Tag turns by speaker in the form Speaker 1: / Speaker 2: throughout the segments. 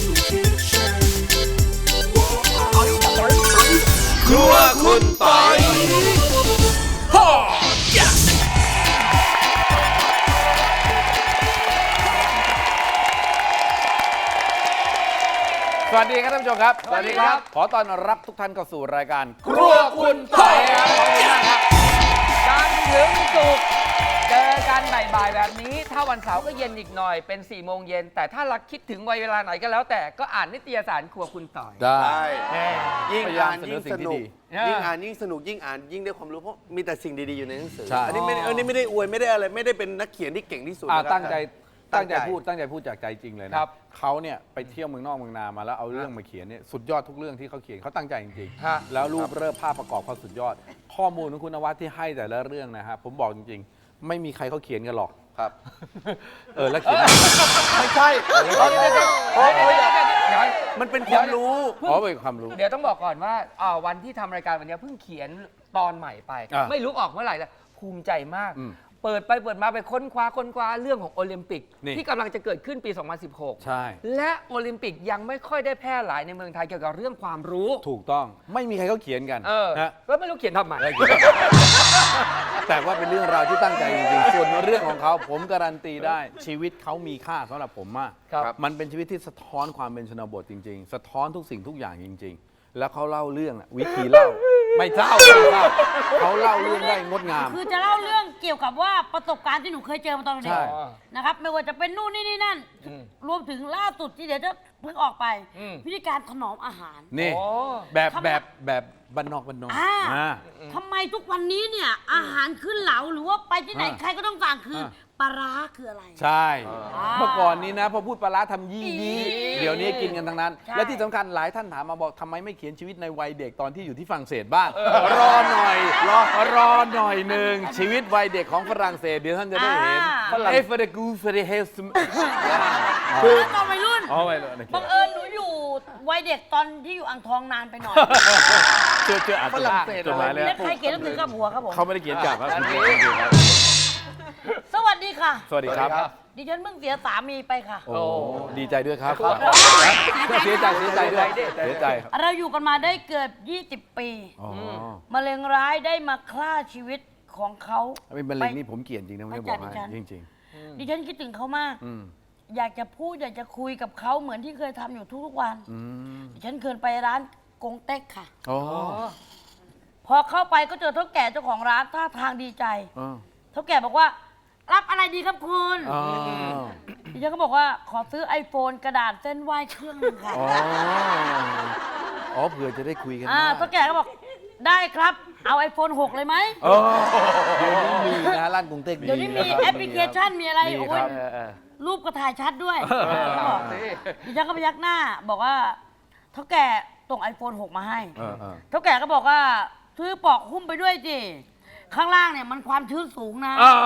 Speaker 1: ครัวคุณปอยสวัสดีครับท่านผู้ชมครับสวัสดีครับขอต้อนรับทุกท่านเข้าสู่รายการครัวคุณปอยครับขอบคุณมากครับ
Speaker 2: จันทร์ถึงศุกร์เจอกันบ่ายๆแบบนี้ถ้าวันเสาร์ก็เย็นอีกหน่อยเป็น4 โมงเย็นแต่ถ้ารักคิดถึงวัยเวลาไหนก็แล้วแต่ก็อ่านนิตยสารครัวคุณต่อย
Speaker 1: ได้
Speaker 3: ยิ่งอ่านยิ่งสนุก
Speaker 2: ยิ่
Speaker 3: ยิ่
Speaker 2: ง
Speaker 3: ง
Speaker 2: อ่า
Speaker 3: อ่าน นยิ่งสนุกยิ่งอ่านยิ่งได้ความรู้เพราะมีแต่สิ่งดีๆอยู่ในหนังสือ
Speaker 1: ใช่
Speaker 3: อันนี้ไม่ได้อวยไม่ได้อะไรไม่ได้เป็นนักเขียนที่เก่งที่สุดนะครับ
Speaker 1: ตั้งใจพูดจากใจจริงเลยนะครับ เขาเนี่ยไปเที่ยวเมืองนอกเมืองนามาแล้วเอาเรื่องมาเขียนเนี่ยสุดยอดทุกเรื่องที่เขาเขียนเขาตั้งใจจริง
Speaker 2: ฮะ
Speaker 1: ๆแล้วรูปเริ่มภาพประกอบเขาสุดยอด ข้อมูลของคุณนวัดที่ให้แต่ละเรื่องนะฮะผมบอกจริงๆ ไม่มีใครเขาเขียนกันหรอก
Speaker 3: ครับ
Speaker 1: แล้วเขียน
Speaker 3: ไม่ใช่มันเป็นความรู้
Speaker 1: อ๋อเป็นความรู้
Speaker 2: เดี๋ยวต้องบอกก่อนว่าวันที่ทำรายการวันนี้เพิ่งเขียนตอนใหม่ไป
Speaker 1: อ่ะ
Speaker 2: ไม่รู้ออกเมื่อไหร่แล้วภูมิใจมาก
Speaker 1: อืม
Speaker 2: เปิดไปเปิดมาไปค้นคว้าเรื่องของโอลิมปิก
Speaker 1: นี่
Speaker 2: ที่กำลังจะเกิดขึ้นปี 2016
Speaker 1: ใช่
Speaker 2: และโอลิมปิกยังไม่ค่อยได้แพร่หลายในเมืองไทยเกี่ยวกับเรื่องความรู้
Speaker 1: ถูกต้องไม่มีใครเขาเขียนกันนะ
Speaker 2: แล้วไม่รู้เขียนทำไม
Speaker 1: แต่ว่าเป็นเรื่องราวที่ตั้งใจจริงๆ ส่วนเรื่องของเขาผมการันตีได้ชีวิตเขามีค่าสำหรับผมมาก
Speaker 2: ครับ
Speaker 1: มันเป็นชีวิตที่สะท้อนความเป็นชนบทจริง ๆ สะท้อนทุกสิ่งทุกอย่างจริง ๆ แล้วเขาเล่าเรื่องน่ะวิธีเล่า ไม่เศร้าเขาเล่าเรื่องได้งดงาม
Speaker 4: คือจะเล่าเรื่องเกี่ยวกับว่าประสบการณ์ที่หนูเคยเจอมาตอนเด็
Speaker 1: ใช่
Speaker 4: กนะครับไม่ว่าจะเป็นนู่นนี่นั่น รวมถึงล่าสุดที่เดี๋ยวจะเพิ่งออกไป วิธีการถนอมอาหาร
Speaker 1: นี่
Speaker 2: โอ้
Speaker 1: แบบบ้านนอกอ่า
Speaker 4: ทำไมทุกวันนี้เนี่ยอาหารขึ้นเหลาหรือว่าไปที่ไหน
Speaker 1: อ่า
Speaker 4: ใครก็ต้องสั่งคือปลาร้าคืออะไร
Speaker 1: ใช่ เมื่อก่อนนี้นะพอพูดปลาร้าทำยี่เดี๋ยวนี้กินกันทั้งนั้น
Speaker 4: ใช่
Speaker 1: และที่สำคัญหลายท่านถามมาบอกทำไมไม่เขียนชีวิตในวัยเด็กตอนที่อยู่ที่ฝรั่งเศสบ้างรอหน่อยรอหน่อยหนึ่งชีวิตวัยเด็กของฝรั่งเศสเดี๋ยวท่านจะได้เห็นเอฟเฟอร์กูเฟอร์เฮส
Speaker 4: คือตอนวัยรุ่น
Speaker 1: อ๋อไม่เลย
Speaker 4: บังเอิญหนูอยู่วัยเด็กตอนที่อยู่อ่างทองนานไปหน่อย
Speaker 1: เจออ่านจดหมายเลย
Speaker 4: และใครเขียนหนังสือกับหัวครับผม
Speaker 1: เขาไม่ได้เขียนกลับครับ
Speaker 4: สวัสดีค่ะ
Speaker 1: สวัสดีครับ
Speaker 4: ดิฉันเพิ่งเสียสามีไปค่ะ
Speaker 1: โอ้ดีใจด้วยครับเสียใจด้วยเสียใจครับ
Speaker 4: เราอยู่กันมาได้เกือบ20 ปี
Speaker 1: อ๋อ
Speaker 4: มะเร็งร้ายได้มาฆ่าชีวิตของเขา
Speaker 1: เป็นมะเร็งนี่ผมเกลียดจริงนะไม่ได้บอกให้จริง
Speaker 4: ดิฉันคิดถึงเขามาก
Speaker 1: ๆอืม
Speaker 4: อยากจะพูดอยากจะคุยกับเขาเหมือนที่เคยทำอยู่ทุกๆวัน
Speaker 1: อืม
Speaker 4: ดิฉันเคยไปร้านกงเต็กค่ะ
Speaker 1: อ๋อ
Speaker 4: พอเข้าไปก็เจอเท่าแก่เจ้าของร้านท่าทางดีใจ
Speaker 1: อ๋อ
Speaker 4: เท่าแก่บอกว่า รับอะไรดีครับคุณ
Speaker 1: อ๋อ
Speaker 4: ดิฉันก็บอกว่าขอซื้อ iPhone กระดาษเส้นไหว้เครื่องหนึงค่ะ
Speaker 1: อ๋อเผื่อจะได้คุยกัน
Speaker 4: เท่าแก่ก็บอกได้ครับเอา iPhone 6 เลยไหม
Speaker 1: เดี๋ยวนี้มีนะร้านกรุงเทพ
Speaker 4: เดี๋ยวนี้มีแอปพลิเคชันมีอะไร
Speaker 1: มี
Speaker 4: โอ้
Speaker 1: ค
Speaker 4: ย
Speaker 1: รับ
Speaker 4: รูปก็ถ่ายชัดด้วยดิฉันก็พยักหน้าบอกว่าเท่าแก่ส่ง iPhone 6 มาให้ เท่าแก่ก็บอกว่าซื้อปลอกหุ้มไปด้วยสิข้างล่างเนี่ยมันความชื้นสูงนะ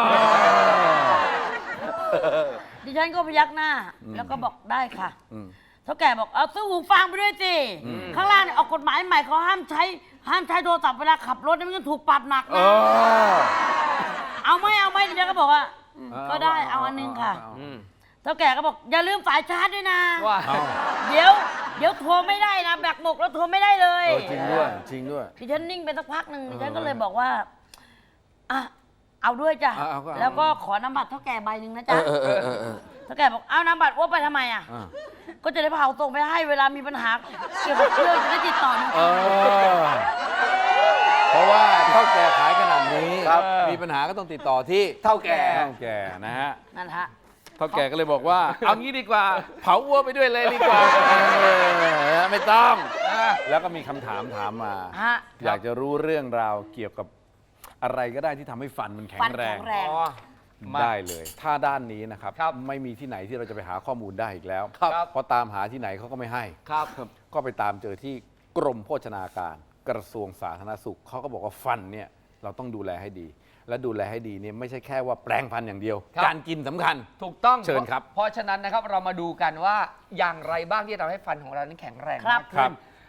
Speaker 4: ดิฉันก็พยักหน้า แล้วก็บอกได้ค่ะเท่าแก่บอกเอาซื้อหูฟังไปด้วยสิข้างล่างเนี่ยออกกฎหมายใหม่เขาห้ามใช้โทรศัพท์เวลาขับรถเนี่ยมันจะถูกปรับหนักนะเอาไหมดิฉันก็บอกว่าก็ได้เอาอันนึงค่ะเท่าแก่ก็บอกอย่าลืมสายชาร์จด้วยนะ
Speaker 2: ว่า
Speaker 4: เดี๋ยวโทรไม่ได้นะแบตหมดแล้วโทรไม่ได้เลย
Speaker 1: จริงด้วยจริงด้วย
Speaker 4: ดิฉันนิ่งไปสักพักหนึ่งดิฉันก็เลยบอกว่าอ่ะเอาด้วยจ้ะ
Speaker 1: เอาก็เอา
Speaker 4: แล้วก็ขอนามบัตรเท่าแก่ใบหนึ่งนะจ๊ะเท่าแก่บอกเอานามบัตรอ้วไปทำไมอ่ะ ก็จะได้เผาส่งไปให้เวลามีปัญหาเกี่ยวกับเครื่องจะได้ติดต่อหนู
Speaker 1: เพราะว่าเท่าแก่ขายขนาดนี้
Speaker 3: ครับ
Speaker 1: มีปัญหาก็ต้องติดต่อที่
Speaker 3: เท่าแก่
Speaker 1: นะฮะ
Speaker 4: นั่นฮะ
Speaker 1: เท่าแก่ก็เลยบอกว่า เอางี้ดีกว่า เผาวัวไปด้วยเลยดีกว่าไม่ต้อง แล้วก็มีคำถามถามมา
Speaker 4: ฮะ
Speaker 1: อยากจะรู้เรื่องราวเกี่ยวกับอะไรก็ได้ที่ทำให้ฟันมันแข็
Speaker 4: ฟัน
Speaker 1: งแร
Speaker 4: แข็
Speaker 1: ง
Speaker 4: งแรง
Speaker 1: ได้เลย ถ้าด้านนี้นะครับ
Speaker 2: ครับ
Speaker 1: ไม่มีที่ไหนที่เราจะไปหาข้อมูลได้อีกแล้ว
Speaker 2: ครับ
Speaker 1: เพราะตามหาที่ไหนเขาก็ไม่ให้
Speaker 2: ครับ
Speaker 1: ก็ไปตามเจอที่กรมโภชนาการกระทรวงสาธารณสุขเขาก็บอกว่าฟันเนี่ยเราต้องดูแลให้ดี และดูแลให้ดีเนี่ยไม่ใช่แค่ว่าแปรงฟันอย่างเดียว
Speaker 2: ครับ
Speaker 1: การกินสำคัญ
Speaker 2: ถูกต้อง
Speaker 1: เชิญครับ
Speaker 2: เพราะฉะนั้นนะครับเรามาดูกันว่าอย่างไรบ้างที่ทำให้ฟันของเรานั้นแข็งแรง
Speaker 4: ครั
Speaker 2: มา
Speaker 4: บ
Speaker 2: ก
Speaker 1: ครั
Speaker 2: ขึ้
Speaker 1: บ
Speaker 2: น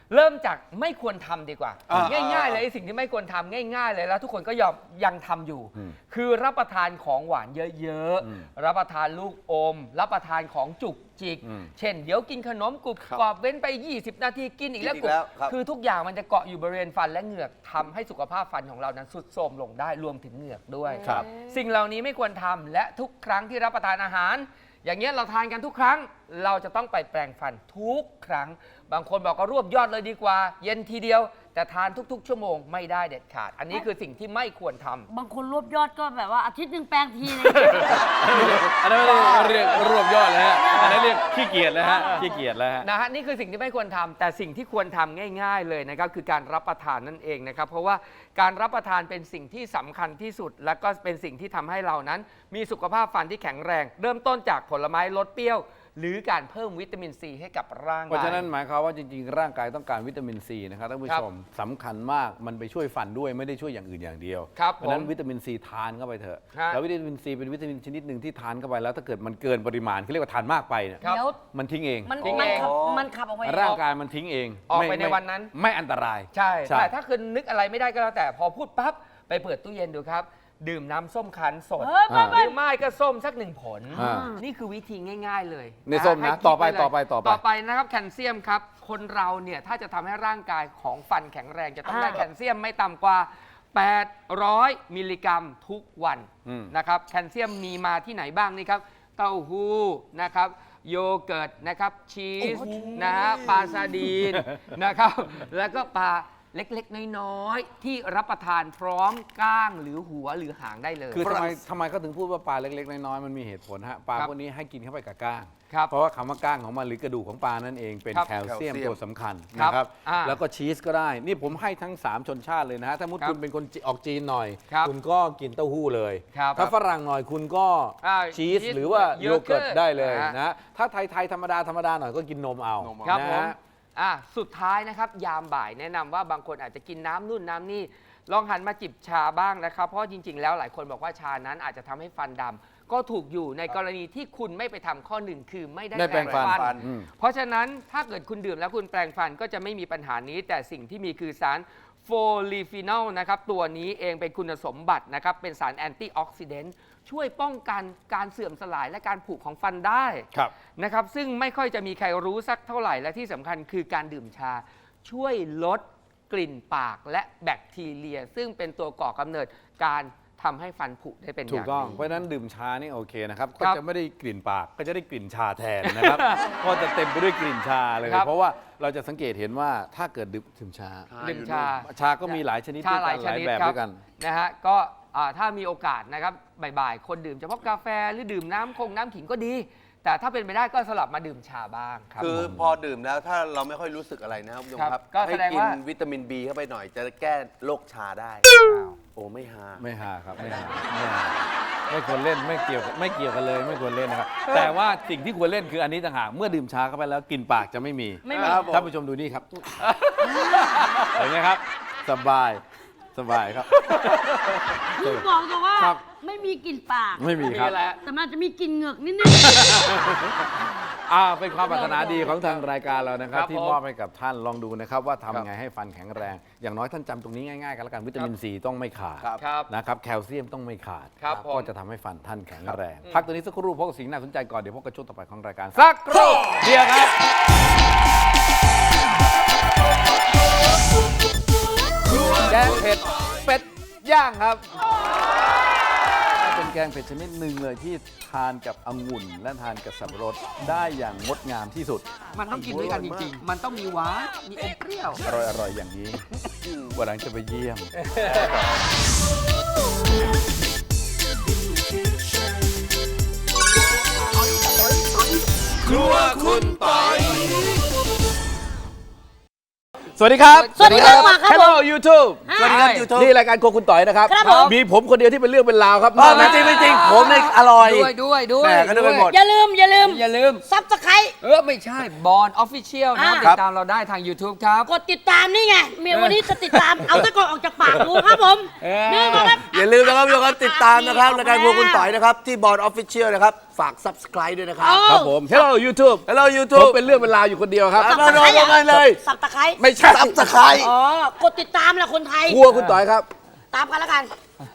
Speaker 2: เริ่มจากไม่ควรทำดีกว่า ง่ายๆเลยไอ้สิ่งที่ไม่ควรทำง่ายๆเลยแล้วทุกคนก็ยังทำอยู่ คือรับประทานของหวานเยอะๆรับประทานลูกอม รับประทานของจุกจิก เช่นเดี๋ยวกินขนมกรุบกรอบเว้นไป 20 นาทีกินอีกแล้วกรุบคือทุกอย่างมันจะเกาะอยู่บริเวณฟันและเหงือกทำให้สุขภาพฟันของเรานั้นทรุดโทรมลงได้รวมถึงเหงือกด้วย สิ่งเหล่านี้ไม่ควรทำและทุกครั้งที่รับประทานอาหาร อย่างเงี้ยเราทานกันทุกครั้งเราจะต้องไปแปรงฟันทุกครั้งบางคนบอกก็รวบยอดเลยดีกว่า เย็นทีเดียวแต่ทานทุกๆชั่วโมงไม่ได้เด็ดขาด อันนี้คือสิ่งที่ไม่ควรทำ
Speaker 4: บางคนรวบยอดก็แบบว่าอาทิตย์หนึ่งแปลงทีเลย
Speaker 1: อันนั้นเรียกรวบยอดเลยฮะอันนั้นเรียกขี้เกียจแล้วฮะขี้เกียจแล้วฮะ
Speaker 2: นะฮะนี่คือสิ่งที่ไม่ควรทำแต่สิ่งที่ควรทำง่ายๆเลยนะครับคือการรับประทานนั่นเองนะครับเพราะว่าการรับประทานเป็นสิ่งที่สำคัญที่สุด และก็เป็นสิ่งที่ทำให้เรานั้นมีสุขภาพฟันที่แข็งแรง เริ่มต้นจากผลไม้รสเปรี้ยว หรือการเพิ่มวิตามินซีให้กับร่างกาย
Speaker 1: เพราะฉะนั้นหมายความว่าจริงๆ ร่างกายต้องการวิตามินซีนะครับท่านผู้ชมสำคัญมากมันไปช่วยฟันด้วยไม่ได้ช่วยอย่างอื่นอย่างเดียว
Speaker 2: ครับ
Speaker 1: เพราะฉะนั้นวิตามินซีทานเข้าไปเถอะ
Speaker 2: ฮะ
Speaker 1: แล้ววิตามินซีเป็นวิตามินชนิดหนึ่งที่ทานเข้าไปแล้วถ้าเกิดมันเกินปริมาณเขาเรียกว่าทานมากไปเนี่ย
Speaker 2: ครับ
Speaker 4: เดี๋ยว
Speaker 1: มันทิ้งเอง
Speaker 4: มัน
Speaker 2: ทิ้ง
Speaker 4: มัน
Speaker 2: เอง
Speaker 4: ขับมันขับออกไป
Speaker 1: ร่างกายมันทิ้งเอง
Speaker 2: ออกไปในวันนั้น
Speaker 1: ไม่อันตราย
Speaker 2: ใช่
Speaker 1: ใช่
Speaker 2: แต่ถ้าคุณนึกอะไรไม่ได้ก็แล้วแต่พอพูดปั๊บไปเปิดตู้เย็นดูครับ ดื่มน้ำส้มคั้นสด
Speaker 4: เฮ้ย
Speaker 2: หรือไม่ก็ส้มสัก1 ผล
Speaker 1: อ่า
Speaker 2: นี่คือวิธีง่ายๆเลย
Speaker 1: ในส้มนะ
Speaker 2: ให้คิด
Speaker 1: ต่อไป
Speaker 2: ว้เลย
Speaker 1: ต่อไป
Speaker 2: ต่อไปนะครับแคลเซียมครับคนเราเนี่ยถ้าจะทำให้ร่างกายของฟันแข็งแรงจะต้องได้แคลเซียมไม่ต่ำกว่า 800 มิลลิกรัมทุกวันนะครับแคลเซียมมีมาที่ไหนบ้างนี่ครับเต้าหู้นะครับโยเกิร์ตนะครับชีสนะฮะปลาซาดีนนะครับแล้วก็ปลาเล็กๆน้อยๆที่รับประทานพร้อมก้างหรือหัวหรือหางได้เลย
Speaker 1: คือทำไมเขาถึงพูดว่าปลาเล็กๆน้อยๆมันมีเหตุผลฮะปลา
Speaker 2: ครับ
Speaker 1: พวกนี้ให้กินเข้าไปกับก้าง
Speaker 2: ครับ
Speaker 1: เพราะว่าคำว่าก้างของมันหรือกระดูกของปลานั่นเองเป็น
Speaker 2: ครับ
Speaker 1: แคลเซียมตัวสำคัญ
Speaker 2: ครับ
Speaker 1: นะครับ
Speaker 2: อ่า
Speaker 1: แล้วก็ชีสก็ได้ นี่ผมให้ทั้ง 3 ชนชาติเลยนะฮะถ้ามุด
Speaker 2: ครับ
Speaker 1: คุณเป็นคนออกจีนหน่อย
Speaker 2: ครับ
Speaker 1: คุณก็กินเต้าหู้เลย
Speaker 2: ครับ
Speaker 1: ถ้าฝรั่งหน่อยคุณก็
Speaker 2: อ่า
Speaker 1: ชีส
Speaker 2: ชีส
Speaker 1: หรือว่า
Speaker 2: โย
Speaker 1: โย
Speaker 2: เกิ
Speaker 1: เกิ
Speaker 2: ร์
Speaker 1: ร์
Speaker 2: ต
Speaker 1: ตได้เลย
Speaker 2: อ่าน
Speaker 1: นะถ้าไทยๆธรรมดาหน่อยก็กินนมเอา
Speaker 2: ครับ
Speaker 1: นะ
Speaker 2: ผม
Speaker 1: ฮะ
Speaker 2: สุดท้ายนะครับยามบ่ายแนะนำว่าบางคนอาจจะกินน้ำนู่นน้ำนี่ลองหันมาจิบชาบ้างนะครับเพราะจริงๆแล้วหลายคนบอกว่าชานั้นอาจจะทำให้ฟันดำก็ถูกอยู่ในกรณีที่คุณไม่ไปทำข้อหนึ่งคือไม่ได้
Speaker 1: ได้แปรงฟัน
Speaker 2: เพราะฉะนั้นถ้าเกิดคุณดื่มแล้วคุณแปรงฟันก็จะไม่มีปัญหานี้ แต่สิ่งที่มีคือสารโฟลีฟีนอลนะครับตัวนี้เองเป็นคุณสมบัตินะครับเป็นสารแอนตี้ออกซิเดนต์ช่วยป้องกันการเสื่อมสลายและการผุของฟันได้
Speaker 1: ครับ
Speaker 2: นะครับซึ่งไม่ค่อยจะมีใครรู้สักเท่าไหร่และที่สำคัญคือการดื่มชา ช่วยลดกลิ่นปากและแบคทีเรีย ซึ่งเป็นตัวก่อกำเนิดการทำให้ฟันผุได้เป็นอ
Speaker 1: ถู
Speaker 2: ย่าก ง
Speaker 1: ต้อง
Speaker 2: ดี
Speaker 1: เพราะฉะนั้นดื่มชานี่โอเคนะครับ
Speaker 2: ค
Speaker 1: ก็
Speaker 2: รับ
Speaker 1: จะไม่ได้กลิ่นปากก็จะได้กลิ่นชาแทนนะครับ ก็จะเต็มไปด้วยกลิ่นชาเลย
Speaker 2: ครับ
Speaker 1: เพราะว่าเราจะสังเกตเห็นว่าถ้าเกิดดื่มชา
Speaker 2: ดื่มชา
Speaker 1: ชาก็มีหลายชนิด
Speaker 2: ชา
Speaker 1: ด้วย
Speaker 2: หลา
Speaker 1: กั
Speaker 2: ย
Speaker 1: น
Speaker 2: ช
Speaker 1: หลาย
Speaker 2: นิด
Speaker 1: แบบ
Speaker 2: ครับ
Speaker 1: ด้วยกัน
Speaker 2: นะฮะก็ถ้ามีโอกาสนะครับบ่ายๆคนดื่มเฉพาะกาแฟหรือดื่มน้ำขิงก็ดี แต่ถ้าเป็นไปได้ก็สลับมาดื่มชาบ้างครับ
Speaker 3: คือพอดื่มแล้วถ้าเราไม่ค่อยรู้สึกอะไรนะครับคุณผู้ชม
Speaker 2: ครับ
Speaker 3: ครับ
Speaker 2: ก็
Speaker 3: ให้
Speaker 2: แสดง
Speaker 3: กิน
Speaker 2: ว่า
Speaker 3: วิตามิน B เข้าไปหน่อยจะแก้โรคชาได้ โอ้ไม่ฮา
Speaker 1: ไม่หาครับไม่หาไม่ควรเล่นไม่เกี่ยวกันเลยไม่ควรเล่นนะครับ แต่ว่าสิ่งที่ควรเล่นคืออันนี้ต่างหากเมื่อดื่มชาเข้าไปแล้วกลิ่นปากจะไม่มี
Speaker 4: ไม่มี
Speaker 3: ครับผม
Speaker 1: ท่านผู้ชมดูนี่ครับเห็นไหมครับ สบายครับ
Speaker 4: คือบอกเลยว่า
Speaker 1: ครับ
Speaker 4: ไม่มีกลิ่นปาก
Speaker 1: ไม่มีครับ
Speaker 2: มีแล้ว
Speaker 4: แต่มันจะมีกลิ่นเหงือกนิดนึง
Speaker 1: เป็นความปรารถนาดีของทางรายการเรานะครับ
Speaker 2: ครับ
Speaker 1: ที่
Speaker 2: ผม
Speaker 1: มอบให้กับท่านลองดูนะครับ ว่า
Speaker 2: ครั
Speaker 1: ทำ
Speaker 2: บ
Speaker 1: ไงให้ฟันแข็งแรง อย่างน้อยท่านจำตรงนี้ง่ายๆกันแล้วกันวิตามินซีต้องไม่ขาด
Speaker 3: ครับ
Speaker 2: ครับ
Speaker 1: นะครับแคลเซียมต้องไม่ขาด
Speaker 2: ครับผม
Speaker 1: ก็จะทำให้ฟันท่านแข็งแรง พักตัวนี้สักครู่พบกับสิ่งน่าสนใจก่อนเดี๋ยวพบกับช่วงต่อไปของรายการสักครู่เดียวครับแกงเผ็ดเป็ดย่างครับ เป็นแกงเผ็ดชนิดหนึ่งเลยที่ทานกับองุ่นและทานกับสับปะรดได้อย่างงดงามที่สุด
Speaker 2: มันต้องกินด้วยกันจริงๆ มันต้องมีหวานมีอมเปรี้ยว
Speaker 1: อร่อยๆอย่างนี้วันหลังจะไปเยี่ยม
Speaker 3: ครัวคุณปอย
Speaker 1: สวัสดีครับ
Speaker 4: สวัสดีครับครับผม
Speaker 1: Hello YouTube
Speaker 3: สวัสดีครับ YouTube
Speaker 1: นี่รายการโครัวคุณต่อยนะครับ
Speaker 4: ครับผม
Speaker 1: มีผมคนเดียวที่เป็นเรื่องเป็นราวครับ
Speaker 3: ไม่จริงไม่จริงผมเนี่ยอร่อย
Speaker 2: ด้วย
Speaker 3: แหม่ก็นึกไปหมด
Speaker 4: อย่าลืม
Speaker 2: อย่าลืม
Speaker 4: ซับสไครต์
Speaker 2: ไม่ใช่บอลออฟฟิเชียลนะ
Speaker 4: อ่า
Speaker 2: ติดตามเราได้ทาง YouTube ครับ
Speaker 4: กดติดตามนี่ไงเมียวันนี้จะติดตาม เอาตะกอนออกจากปากกูครับผม นี่ก็ครับ
Speaker 3: อย่าลืมนะครับทุกคนติดตามนะครับรายการพวกคุณต่อยนะครับที่บอร์ดออฟฟิเชียลนะครับฝาก subscribe ด้วยนะครับ
Speaker 1: ครับผม Hello YouTube
Speaker 3: Hello
Speaker 1: ผม
Speaker 3: YouTube
Speaker 1: เป็นเรื่องเป็นราวอยู่คนเดียวครับ
Speaker 3: มาโดนกันเลย
Speaker 4: สับตะไคร้
Speaker 1: ไม่ใช่
Speaker 3: subscribe
Speaker 4: อ๋อ กดติดตามแหละคนไทย
Speaker 1: ครัวคุณต่อยครับ
Speaker 4: ตามกันแล้วกัน